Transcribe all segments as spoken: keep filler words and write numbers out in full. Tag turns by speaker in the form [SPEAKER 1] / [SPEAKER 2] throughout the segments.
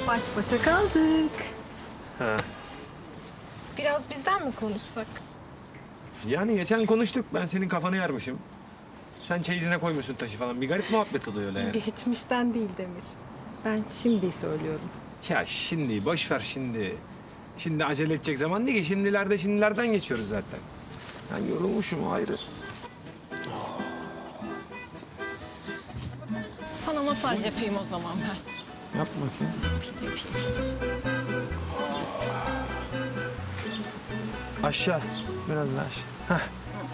[SPEAKER 1] Baş başa kaldık.
[SPEAKER 2] Ha.
[SPEAKER 3] Biraz bizden mi konuşsak?
[SPEAKER 2] Yani geçen konuştuk. Ben senin kafanı yarmışım. Sen çeyizine koymuşsun taşı falan. Bir garip muhabbet oluyor öyle yani.
[SPEAKER 1] Geçmişten değil Demir. Ben şimdi söylüyorum.
[SPEAKER 2] Ya şimdi boş ver şimdi. Şimdi acele edecek zaman değil ki. Şimdilerde şimdilerden geçiyoruz zaten. Ben yorulmuşum ayrı.
[SPEAKER 3] Sana masaj yapayım o zaman ben.
[SPEAKER 2] Yap bakayım.
[SPEAKER 3] Yapayım, yapayım.
[SPEAKER 2] Aşağı. Biraz daha aşağı. Heh.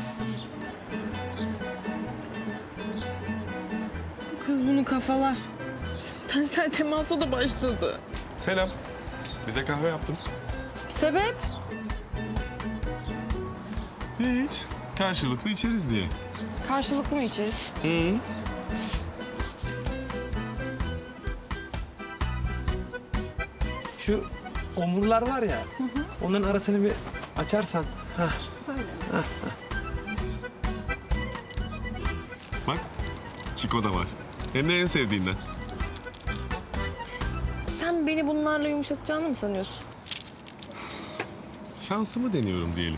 [SPEAKER 1] Kız bunu kafalar. Tensel temasa da başladı.
[SPEAKER 4] Selam. Bize kahve yaptım.
[SPEAKER 1] Sebep?
[SPEAKER 4] Hiç. Karşılıklı içeriz diye.
[SPEAKER 3] Karşılıklı mı içeriz?
[SPEAKER 4] Hı.
[SPEAKER 2] Şu omurlar var ya. Onların arasını bir açarsan. Heh.
[SPEAKER 4] Bak, Çiko da var. Hem de en sevdiğinden.
[SPEAKER 1] Sen beni bunlarla yumuşatacağını mı sanıyorsun?
[SPEAKER 4] Şansımı deniyorum diyelim.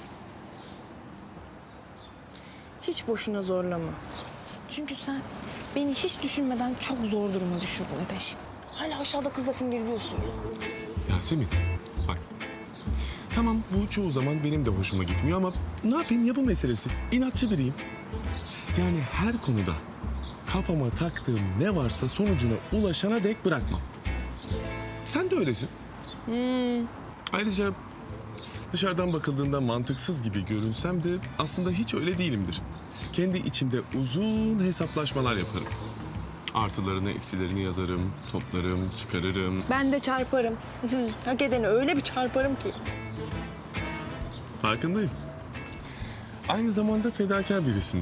[SPEAKER 1] Hiç boşuna zorlama. Çünkü sen beni hiç düşünmeden çok zor duruma düşürdün Ateş. Hala aşağıda kızla fingirliyorsun.
[SPEAKER 4] Yasemin, bak. Tamam, bu çoğu zaman benim de hoşuma gitmiyor ama ne yapayım, yapı meselesi. İnatçı biriyim. Yani her konuda kafama taktığım ne varsa sonucuna ulaşana dek bırakmam. Sen de öylesin.
[SPEAKER 1] Hmm.
[SPEAKER 4] Ayrıca dışarıdan bakıldığında mantıksız gibi görünsem de aslında hiç öyle değilimdir. Kendi içimde uzun hesaplaşmalar yaparım. Artılarını, eksilerini yazarım, toplarım, çıkarırım.
[SPEAKER 1] Ben de çarparım. Hak edeni öyle bir çarparım ki.
[SPEAKER 4] Farkındayım. Aynı zamanda fedakar birisinde.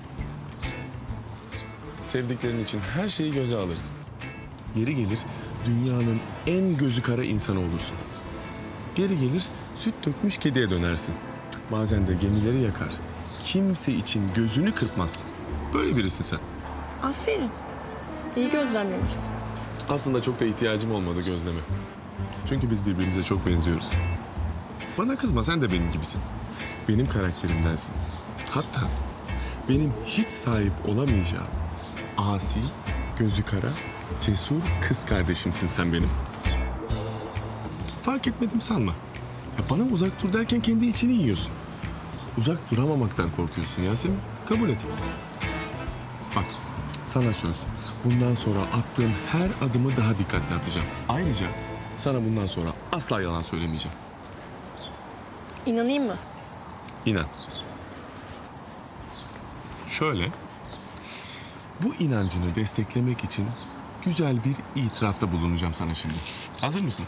[SPEAKER 4] Sevdiklerin için her şeyi göze alırsın. Yeri gelir dünyanın en gözü kara insanı olursun. Geri gelir süt dökmüş kediye dönersin. Bazen de gemileri yakar. Kimse için gözünü kırpmazsın. Böyle birisin sen.
[SPEAKER 1] Aferin. İyi gözlemlemişsin.
[SPEAKER 4] Aslında çok da ihtiyacım olmadı gözleme. Çünkü biz birbirimize çok benziyoruz. Bana kızma, sen de benim gibisin. Benim karakterimdensin. Hatta benim hiç sahip olamayacağım asi, gözü kara, cesur kız kardeşimsin sen benim. Fark etmedim sanma. Ya bana uzak dur derken kendi içini yiyorsun. Uzak duramamaktan korkuyorsun Yasemin. Kabul et. Bak, sana söz. Bundan sonra attığın her adımı daha dikkatli atacağım. Ayrıca sana bundan sonra asla yalan söylemeyeceğim.
[SPEAKER 1] İnanayım mı?
[SPEAKER 4] İnan. Şöyle, bu inancını desteklemek için güzel bir itirafta bulunacağım sana şimdi. Hazır mısın?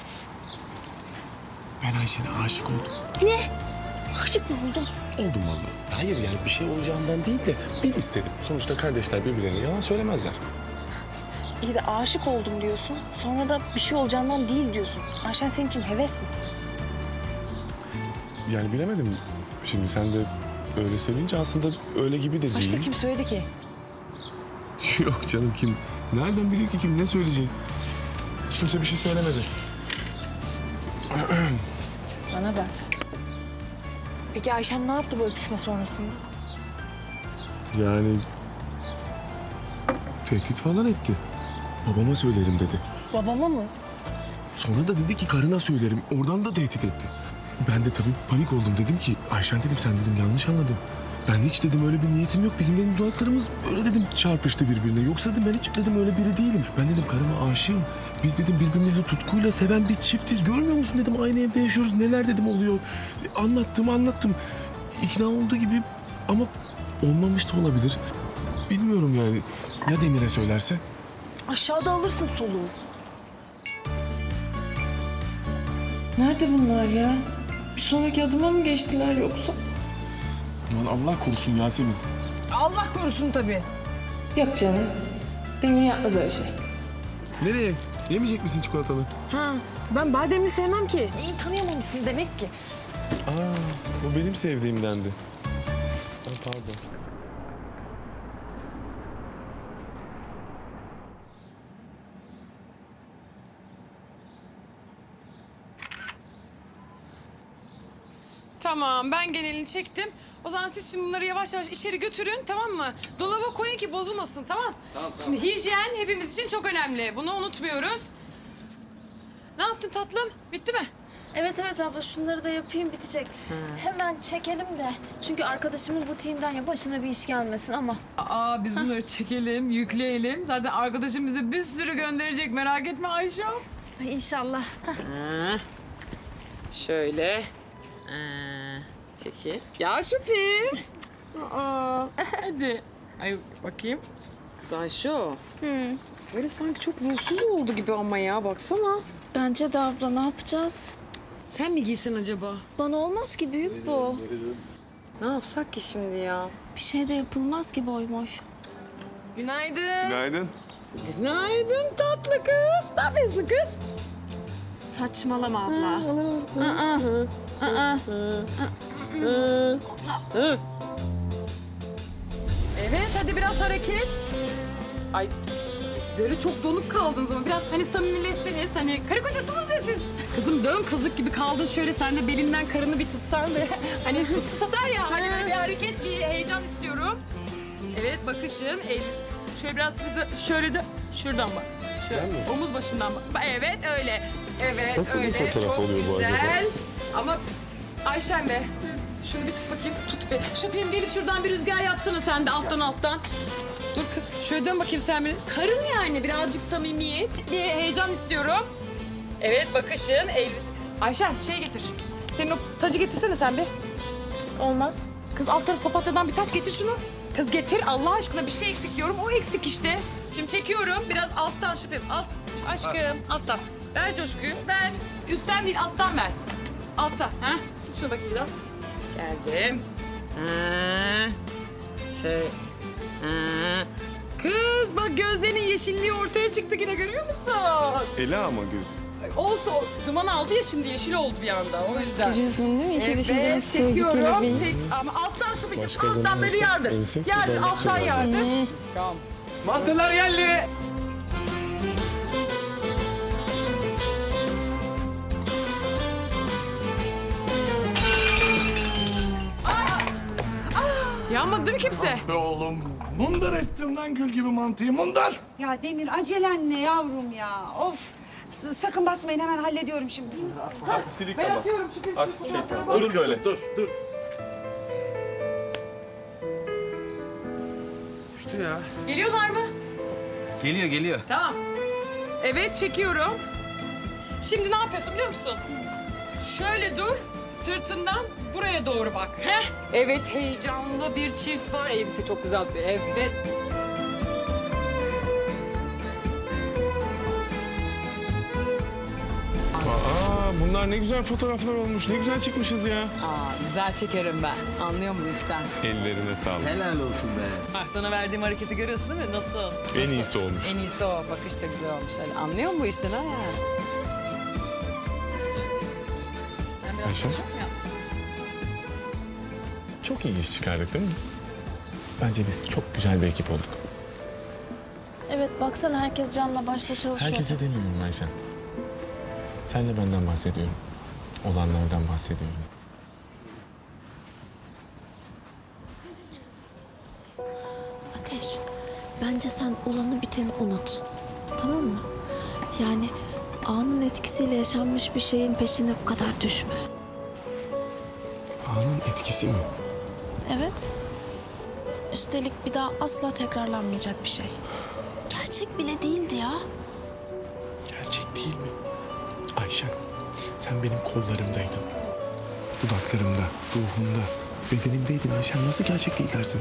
[SPEAKER 4] Ben Ayşe'ne aşık oldum.
[SPEAKER 1] Ne? Aşık mı oldun?
[SPEAKER 4] Oldum vallahi. Hayır yani bir şey olacağından değil de bil istedim. Sonuçta kardeşler birbirlerine yalan söylemezler.
[SPEAKER 1] İyi de aşık oldum diyorsun. Sonra da bir şey olacağından değil diyorsun. Ayşen senin için heves mi?
[SPEAKER 4] Yani bilemedim. Şimdi sen de öyle söyleyince aslında öyle gibi de değil.
[SPEAKER 1] Başka kim söyledi ki?
[SPEAKER 4] Yok canım, kim? Nereden biliyor ki kim ne söyleyecek? Hiç kimse bir şey söylemedi.
[SPEAKER 1] Bana bak. Peki Ayşen ne yaptı bu öpüşme sonrasında?
[SPEAKER 4] Yani tehdit falan etti. Babama söylerim dedi.
[SPEAKER 1] Babama mı?
[SPEAKER 4] Sonra da dedi ki karına söylerim. Oradan da tehdit etti. Ben de tabii panik oldum. Dedim ki Ayşen dedim, sen dedim yanlış anladın. Ben hiç dedim öyle bir niyetim yok. Bizim dedim dudaklarımız öyle dedim çarpıştı birbirine. Yoksa dedim ben hiç dedim öyle biri değilim. Ben dedim karıma aşığım. Biz dedim birbirimizi tutkuyla seven bir çiftiz. Görmüyor musun dedim, aynı evde yaşıyoruz. Neler dedim oluyor. Anlattım anlattım. İkna olduğu gibi ama olmamış da olabilir. Bilmiyorum yani. Ya Demir'e söylerse?
[SPEAKER 1] Aşağıda alırsın soluğu. Nerede bunlar ya? Bir sonraki adıma mı geçtiler yoksa?
[SPEAKER 4] Aman Allah korusun Yasemin.
[SPEAKER 1] Allah korusun tabii. Yok canım. Demir yapmaz öyle şey.
[SPEAKER 4] Nereye? Yemeyecek misin çikolatalı?
[SPEAKER 1] Ha, ben bademli sevmem ki. İyi tanıyamamışsın demek ki.
[SPEAKER 4] Aa, bu benim sevdiğimdendi. Aa, pardon.
[SPEAKER 5] Tamam, ben genelini çektim. O zaman siz şimdi bunları yavaş yavaş içeri götürün, tamam mı? Dolaba koyun ki bozulmasın, tamam? Tamam, tamam. Şimdi hijyen hepimiz için çok önemli. Bunu unutmuyoruz. Ne yaptın tatlım? Bitti mi?
[SPEAKER 6] Evet evet abla şunları da yapayım bitecek. Hemen çekelim de. Çünkü arkadaşımın butiğinden ya başına bir iş gelmesin ama.
[SPEAKER 5] Aa, biz bunları çekelim, yükleyelim. Zaten arkadaşım bize bir sürü gönderecek, merak etme Ayşe.
[SPEAKER 6] Ay inşallah.
[SPEAKER 5] Şöyle. Ee, çekil. Ya şüphe. Aa, hadi. Ay bakayım. Kız Ayşe.
[SPEAKER 6] Hı.
[SPEAKER 5] Böyle sanki çok ruhsuz oldu gibi ama ya baksana.
[SPEAKER 6] Bence de abla ne yapacağız?
[SPEAKER 5] Sen mi giysin acaba?
[SPEAKER 6] Bana olmaz ki büyük bu.
[SPEAKER 5] Ne yapsak ki şimdi ya?
[SPEAKER 6] Bir şey de yapılmaz ki boy boy.
[SPEAKER 5] Günaydın.
[SPEAKER 4] Günaydın.
[SPEAKER 5] Günaydın tatlı kız. Ne yapıyorsun kız?
[SPEAKER 6] Saçmalama abla. Aa. Aa.
[SPEAKER 5] Evet, hadi biraz hareket. Ay, böyle çok donuk kaldınız ama biraz hani samimileşseniz, hani karı kocasınız ya siz. Kızım dön kazık gibi kaldın şöyle, sen de belinden karını bir tutsan be. Hani tutku satar ya, hani böyle bir hareket, bir heyecan istiyorum. Evet, bakışın, elbise. Şöyle biraz şurada, şöyle de şuradan bak. Şöyle, omuz başından bak. Evet, öyle. Evet,
[SPEAKER 4] Nasıl bir
[SPEAKER 5] öyle.
[SPEAKER 4] fotoğraf
[SPEAKER 5] Çok
[SPEAKER 4] oluyor bu
[SPEAKER 5] güzel.
[SPEAKER 4] acaba?
[SPEAKER 5] Ama Ayşen be, şunu bir tut bakayım, tut bir. Şüphim gelip şuradan bir rüzgar yapsana sen de alttan alttan. Dur kız, şöyle dön bakayım sen beni. Karın yani, birazcık samimiyet, bir heyecan istiyorum. Evet, bakışın, elbise. Ayşen, şey getir. Senin o tacı getirsene sen bir.
[SPEAKER 6] Olmaz.
[SPEAKER 5] Kız alt taraf papatyadan bir taç getir şunu. Kız getir Allah aşkına, bir şey eksik diyorum. O eksik işte. Şimdi çekiyorum biraz alttan şüphem. Alt aşkım alttan. Ver coşkuyu ver. Üstten değil alttan ver. Alttan. Ha? Tut şunu bakayım biraz. Geldim. Ha. Şey. Ha. Kız bak gözlerinin yeşilliği ortaya çıktı yine, görüyor musun?
[SPEAKER 4] Ela ama göz.
[SPEAKER 5] Olsa o duman aldı ya şimdi, yeşil oldu bir anda o yüzden.
[SPEAKER 6] Görüyorsun değil mi? İşe düşünce
[SPEAKER 5] Evet,
[SPEAKER 6] nasıl sevdik
[SPEAKER 5] çekiyorum.
[SPEAKER 6] kelebeği.
[SPEAKER 5] Çek, ama alttan şu bir
[SPEAKER 4] Başka
[SPEAKER 5] alttan
[SPEAKER 4] zaman
[SPEAKER 5] böyle
[SPEAKER 4] olsa
[SPEAKER 5] yardır.
[SPEAKER 4] ölsek de
[SPEAKER 5] Yardır,
[SPEAKER 4] ben
[SPEAKER 5] alttan
[SPEAKER 4] şey
[SPEAKER 5] yardır. Tamam.
[SPEAKER 2] Mantılar geldi.
[SPEAKER 5] Yanmadı değil mi kimse?
[SPEAKER 7] Be oğlum, mundar ettin lan gül gibi mantıyı, mundar.
[SPEAKER 8] Ya Demir acelen ne yavrum ya? Of. S- sakın basmayın, hemen hallediyorum şimdi.
[SPEAKER 4] Aksilik
[SPEAKER 5] Ben
[SPEAKER 4] ama.
[SPEAKER 5] atıyorum şu bir
[SPEAKER 4] Aksi
[SPEAKER 5] şu
[SPEAKER 4] şey
[SPEAKER 5] fotoğrafa.
[SPEAKER 4] tamam. Dur böyle.
[SPEAKER 7] Dur, dur.
[SPEAKER 2] İşte ya.
[SPEAKER 5] Geliyorlar mı?
[SPEAKER 2] Geliyor geliyor.
[SPEAKER 5] Tamam. Evet, çekiyorum. Şimdi ne yapıyorsun biliyor musun? Şöyle dur, sırtından buraya doğru bak. Heh. Evet, heyecanlı bir çift var. Elbise çok güzel. Evet.
[SPEAKER 4] Aa, bunlar ne güzel fotoğraflar olmuş. Ne güzel çıkmışız ya.
[SPEAKER 5] Aa, güzel çekerim ben. Anlıyor musun işten?
[SPEAKER 4] Ellerine sağlık.
[SPEAKER 9] Helal olsun be.
[SPEAKER 5] Bak sana verdiğim hareketi görüyorsun değil mi? Nasıl?
[SPEAKER 4] En iyisi olmuş.
[SPEAKER 5] En iyisi o. Bakış da güzel olmuş. Öyle. Anlıyor musun bu işten ha? Sen biraz
[SPEAKER 4] Ayşe?
[SPEAKER 5] çok mu yapsın?
[SPEAKER 4] Çok iyi iş çıkardık değil mi? Bence biz çok güzel bir ekip olduk.
[SPEAKER 6] Evet baksana herkes canla başla çalışıyor.
[SPEAKER 4] Herkese demiyorum Ayşen. Sen de benden bahsediyorum. Olanlardan bahsediyorum.
[SPEAKER 6] Ateş, bence sen olanı biteni unut. Tamam mı? Yani anın etkisiyle yaşanmış bir şeyin peşine bu kadar düşme.
[SPEAKER 4] Anın etkisi mi?
[SPEAKER 6] Evet. Üstelik bir daha asla tekrarlanmayacak bir şey. Gerçek bile değildi ya.
[SPEAKER 4] Gerçek değil mi? Ayşen, sen benim kollarımdaydın. Dudaklarımda, ruhumda, bedenimdeydin Ayşen. Nasıl gerçek değil dersin?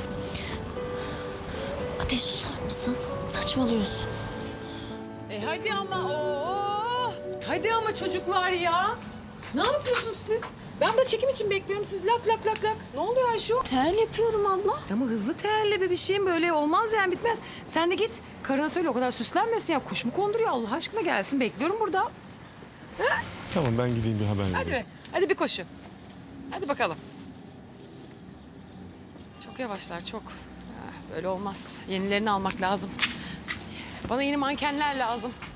[SPEAKER 6] Ateş susar mısın? Saçmalıyorsun.
[SPEAKER 5] E hadi ama oo. Hadi ama çocuklar ya. Ne yapıyorsunuz siz? Ben de çekim için bekliyorum. Siz lak lak lak lak. Ne oluyor Ayşe?
[SPEAKER 6] Tel yapıyorum abla.
[SPEAKER 5] Ama hızlı terle be bir şeyim böyle olmaz yani, bitmez. Sen de git karına söyle o kadar süslenmesin ya. Kuş mu konduruyor Allah aşkına, gelsin bekliyorum burada.
[SPEAKER 4] Tamam, ben gideyim bir haber
[SPEAKER 5] Hadi
[SPEAKER 4] vereyim.
[SPEAKER 5] be. Hadi bir koşu. Hadi bakalım. Çok yavaşlar çok. Ah, böyle olmaz. Yenilerini almak lazım. Bana yeni mankenler lazım.